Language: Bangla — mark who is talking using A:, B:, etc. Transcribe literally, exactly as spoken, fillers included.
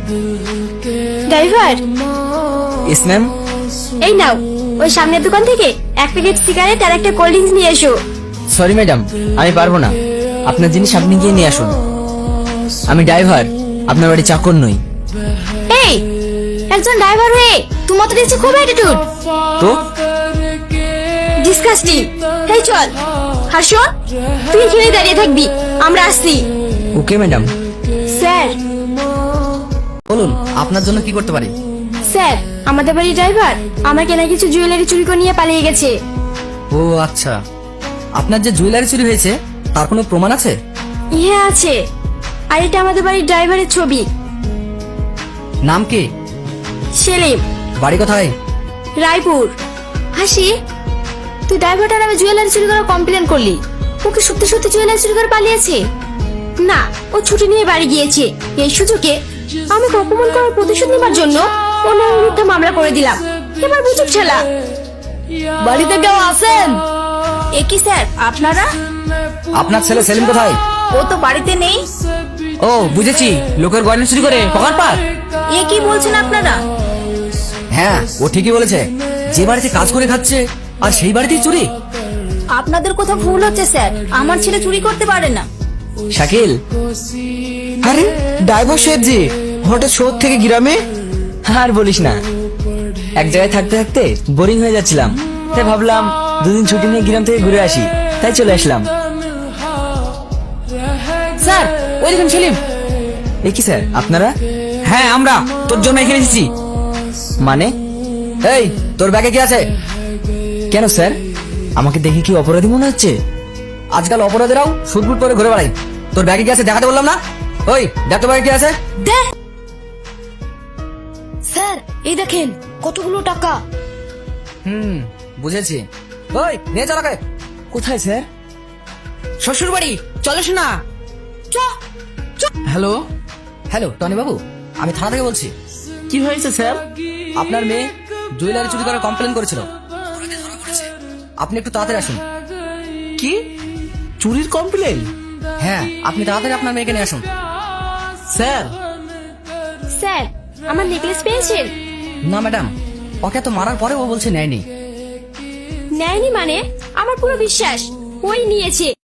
A: ড্রাইভার,
B: ইস ম্যাম।
A: এই নাও, ওই সামনের দোকান থেকে এক প্যাকেট সিগারেট আর একটা কোল্ড ড্রিঙ্কস নিয়ে এসো।
B: সরি ম্যাডাম, আমি পারবো না। আপনার জিনিস আপনি গিয়ে নিয়ে আসুন। আমি ড্রাইভার, আপনার বাড়ি চাকর নই।
A: এই, একজন ড্রাইভার হয়ে তোমার তো দেখছি খুব অ্যাটিটিউড।
B: তো
A: ডিসকাস্টিং। এই চল। আর শোন, তুই এখানে দাঁড়িয়ে থাকবি, আমরা আসছি।
B: Okay madam.
A: স্যার,
B: বলুন আপনার জন্য কি করতে পারি?
A: স্যার, আমাদের বাড়ির ড্রাইভার আমার কেনা কিছু জুয়েলারি চুরি করে নিয়ে পালিয়ে গেছে।
B: ও আচ্ছা, আপনার যে জুয়েলারি চুরি হয়েছে তার কোনো প্রমাণ আছে?
A: হ্যাঁ আছে, আর এটা আমাদের বাড়ির ড্রাইভারের ছবি।
B: নাম কি?
A: সেলিম।
B: বাড়ি কোথায়?
A: রায়পুর। হাসি, তুই ড্রাইভারটার নামে জুয়েলারি চুরি করার কমপ্লেন করলি, ওকে সত্যি সত্যি জুয়েলারি চুরি করে পালিয়েছে? না, ও ছুটি নিয়ে বাড়ি গিয়েছে। এই সুযোগে আমাকে অপমান করার প্রতিশোধ নেবার জন্য ওর নামে মিথ্যা মামলা করে দিলাম। এবার বুঝুক ছেলা।
C: বাড়িতে কেউ আছেন?
A: এ কি স্যার, আপনারা?
B: আপনার ছেলে সেলিম কোথায়?
A: ও তো বাড়িতে নেই।
B: ও বুঝেছি, লোকের গয়না চুরি করে পকেট পার।
A: এ কি বলছেন আপনারা?
B: হ্যাঁ, ও ঠিকই বলেছে। যে বাড়িতে কাজ করে খাচ্ছে আর সেই বাড়িতেই চুরি।
A: আপনাদের কোথাও ভুল হচ্ছে স্যার, আমার ছেলে চুরি করতে পারে না।
B: শাকিল। আরে ড্রাইভার সাহেব জি, হঠাৎ শহর থেকে গ্রামে? আর বলিস না, এক জায়গায় থাকতে থাকতে বোরিং হয়ে যাচ্ছিলাম, তাই ভাবলাম দুদিন ছুটি নিয়ে গ্রাম থেকে ঘুরে আসি, তাই চলে আসলাম।
C: স্যার, ওই দেখুন সেলিম।
B: এ কি স্যার, আপনারা? হ্যাঁ আমরা তোর জন্য এখানে এসেছি। মানে? এই, তোর ব্যাগে কি আছে? কেন স্যার, আমাকে দেখে কি অপরাধী মনে হচ্ছে? আজকাল অপরাধীরাও সুটবুট পরে ঘুরে বেড়ায়। তোর ব্যাগে কি আছে দেখাতে বললাম না? ওই দেখ তো ব্যাগে কি আছে।
A: দে। স্যার, এই দেখেন কতগুলো টাকা।
B: হুম, বুঝেছি। ওই নিয়ে চল আগে। কোথায় স্যার?
C: শ্বশুর বাড়ি, চলো শোনা।
B: হ্যালো হ্যালো টনি বাবু, আমি থানা থেকে বলছি।
C: কি হয়েছে স্যার?
B: আপনার মেয়ে জুয়েলারি চুরি করার কমপ্লেন করেছিল, আপনি একটু তাড়াতাড়ি আসুন।
C: কি চুরির কমপ্লেন?
B: হ্যাঁ, আপনি তাড়াতাড়ি আপনার মেয়েকে নিয়ে আসুন।
C: স্যার,
A: স্যার, আমার নেকলেস পেয়েছেন?
B: না ম্যাডাম, ওকে তো মারার পরে ও বলছে নেয়নি।
A: নেয়নি মানে? আমার পুরো বিশ্বাস ওই নিয়েছে।